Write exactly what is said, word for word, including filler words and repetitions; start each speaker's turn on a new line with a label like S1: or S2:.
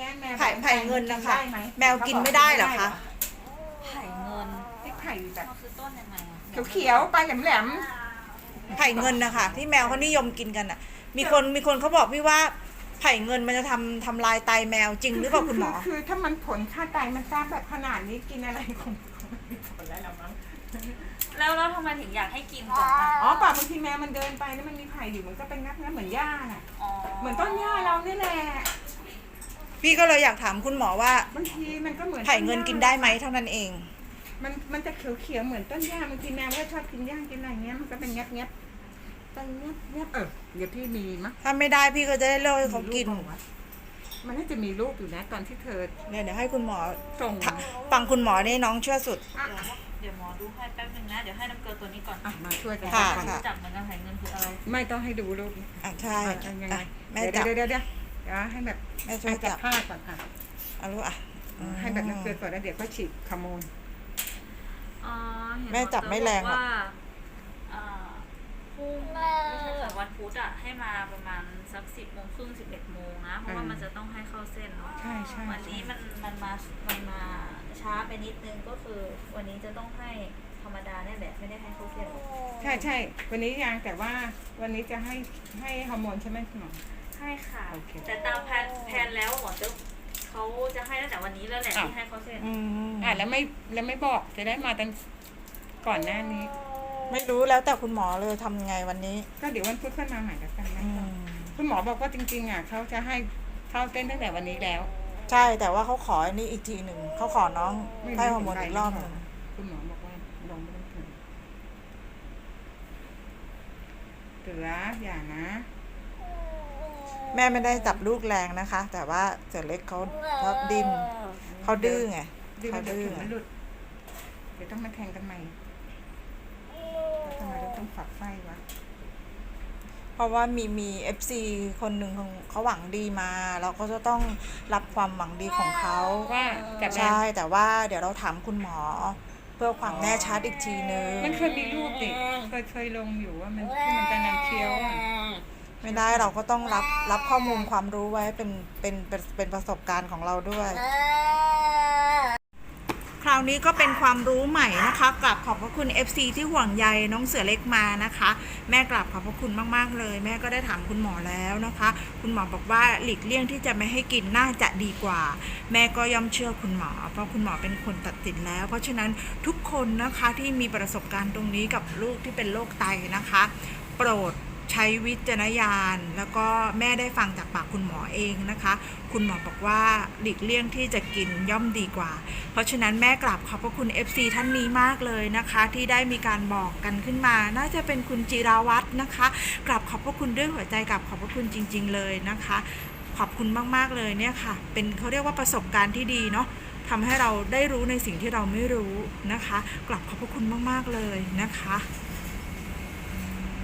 S1: นี้แมว
S2: ไผ่ไผ่เงินนะคะแมวกินไม่ได้เหรอคะ
S3: ไผ่เงิน
S1: ที่ไผ่แบบ
S3: มันคือต้นยังไงอะ
S1: เขียวๆปลายแหลม
S2: ไผ่เงินนะคะที่แมวเขานิยมกินกันอ่ะ มีคนมีคนเขาบอกพี่ว่าไผ่เงินมันจะทำทำลายไตแมวจริงหรือเปล่าคุณหมอ
S1: คือถ้ามันผลค่าไตมันทราบแบบขนาดนี้กินอะไรคงคงไม่มีผลแล้วละมั้ง
S3: แล้วแล้วทำไมถึงอยากให้กินก่อนคะ
S1: อ๋อป่าบางทีแมวมันเดินไปแล้วมันมีไผ่อยู่มันก็เป็นงับงับเหมือนหญ้าน่ะ
S3: อ๋อ
S1: เหมือนต้นหญ้าเรานี่แหละ
S2: พี่ก็เลยอยากถามคุณหมอว่า
S1: บางทีมันก็เหมือน
S2: ไผ่เงินกินได้ไหมเท่านั้นเอง
S1: มันมันจะเขียวเขียวๆเหมือนต้นหญ้าบางทีแมวก็ชอบกินหญ้ากินอะไรเงี้ยมันก็เป็นงับงับเป็นงับงับเออเดี๋ยวพี่มีมั้ย
S2: ถ้าไม่ได้พี่ก็จะได้เลิกให้เขากิน
S1: มันน่าจะมีรูปอยู่นะตอนที่เธอ
S2: เนี่ยเดี๋ยวให้คุณหมอ
S1: ส่ง
S2: ฟังคุณหมอนี่น้องเชื่อสุด
S1: อ่ะ
S3: เดี๋ยวหมอดูให้แป๊บนึงนะ เดี๋ยวให้น้ำเกลือตัวนี้ก่อน
S1: อ่ะมาช่วยกัน
S2: ค่ะ
S3: รู้จักเหมือนกันไผ่เงินคืออะไร
S1: ไม่ต้องให้ดูรูป
S2: อ่ะใช่
S1: อ่ะยังไง
S2: อ่ะแม่
S1: เดี๋ยว
S2: จับ
S1: เดี๋ยวเดี๋ยวเดี๋ยวให้แบบ
S2: แม่ช่วย
S1: จั
S2: จั
S1: บบ ผ้าก่อนค่ะ
S2: เอาลูกอ่ะ
S1: ให้แบบน้ำเกลือก่อนแล้วเดี๋ยวก็ฉีดขโมย
S3: อ๋อเห็น
S2: แม่จับไม่แรงหรอก
S3: ว่าอ่าพรุ่งวันพุธอะให้มาประมาณสักสิบโมงครึ่งสิบเอ็ดโมงนะ เพราะว่ามันจะต้องให้เข้าเส้นเนาะ
S1: ใช่ใช่
S3: วันนี้มันมันมามันมาช้าไปนิดนึงก็คือวันนี้จะต้องให้ธรรมดาเนี่ยแหละไม่ได้ให้เข้าเส้น
S1: ใช่ใช่วันนี้ยังแต่ว่าวันนี้จะให้ให้ฮอร์โมนใช่ไหมคุณหมอ
S3: ใช่ค่ะ
S1: โอเค
S3: แต่ตามแผนแผนแล้วหมอจะเขาจะให้ตั้งแต่วันนี้แล้วแหละ
S1: อ้าว
S3: ที่ให้เข้าเส้น
S2: อืม
S1: อ่ะแล้วไม่แล้วไม่บอกจะได้มาตั้งก่อนหน้านี้
S2: ไม่รู้แล้วแต่คุณหมอเลยทำไงวันนี้
S1: ก็เดี๋ยววันพุธขึ้นมาใหม่แล้วกันนะ
S2: อืม
S1: คุณหมอบอกว่าจริงๆอ่ะเขาจะให้เข้าเต้นตั้งแต่วันนี้แล้ว
S2: ใช่แต่ว่าเขาขออันนี้อีกทีหนึ่งเขาขอน้อง
S1: ไม่
S2: ให้ฮอร์โมนอีกรอบหนึ่ง
S1: คุณหมอบอกว่าลงไม่ต้องถึงเสืออย่านะ
S2: แม่ไม่ได้จับลูกแรงนะคะ แต่ว่าเสือเล็กเขาเขาดิ้นเขาดื้อไง
S1: ดื้อ
S2: เขา
S1: เดี๋ยว
S2: ดื้อ
S1: ถึงมันหลุดเดี๋ยวต้องมาแทงกันใหม่แล้วทำไมเราต้องฝักไฟวะ
S2: เพราะว่ามีมีเอฟซีคนหนึ่งเขาหวังดีมา เราก็จะต้องรับความหวังดีของเขา
S1: ว่าแต่แม่
S2: ใช่แต่ว่าเดี๋ยวเราถามคุณหมอ เพื่อความแน่ชัดอีกทีนึง
S1: มันเคยมีรูปดิเคยเคยลงอยู่ว่ามันที่มันจะนำเคี้ยวอ่ะ
S2: ไม่ได้เราก็ต้องรับรับข้อมูลความรู้ไว้เป็นเป็นเป็นเป็นประสบการณ์ของเราด้วย คราวนี้ก็เป็นความรู้ใหม่นะคะกราบขอบพระคุณ เอฟ ซี ที่ห่วงใยน้องเสือเล็กมานะคะ แม่กราบขอบพระคุณมากๆเลย แม่ก็ได้ถามคุณหมอแล้วนะคะ คุณหมอบอกว่าหลีกเลี่ยงที่จะไม่ให้กินน่าจะดีกว่า แม่ก็ย่อมเชื่อคุณหมอเพราะคุณหมอเป็นคนตัดสินแล้ว เพราะฉะนั้นทุกคนนะคะที่มีประสบการณ์ตรงนี้กับลูกที่เป็นโรคไตนะคะ โปรดใช้วิจารณญาณแล้วก็แม่ได้ฟังจากปากคุณหมอเองนะคะ คุณหมอบอกว่าหลีกเลี่ยงที่จะกินย่อมดีกว่า เพราะฉะนั้นแม่กราบขอบพระคุณ เอฟ ซี ท่านนี้มากเลยนะคะ ที่ได้มีการบอกกันขึ้นมา น่าจะเป็นคุณจิราวัฒน์นะคะกราบขอบพระคุณด้วยหัวใจกราบขอบพระคุณจริงๆเลยนะคะ ขอบคุณมากๆเลยเนี่ยค่ะเป็นเขาเรียกว่าประสบการณ์ที่ดีเนาะทำให้เราได้รู้ในสิ่งที่เราไม่รู้นะคะกราบขอบพระคุณมากๆเลยนะคะ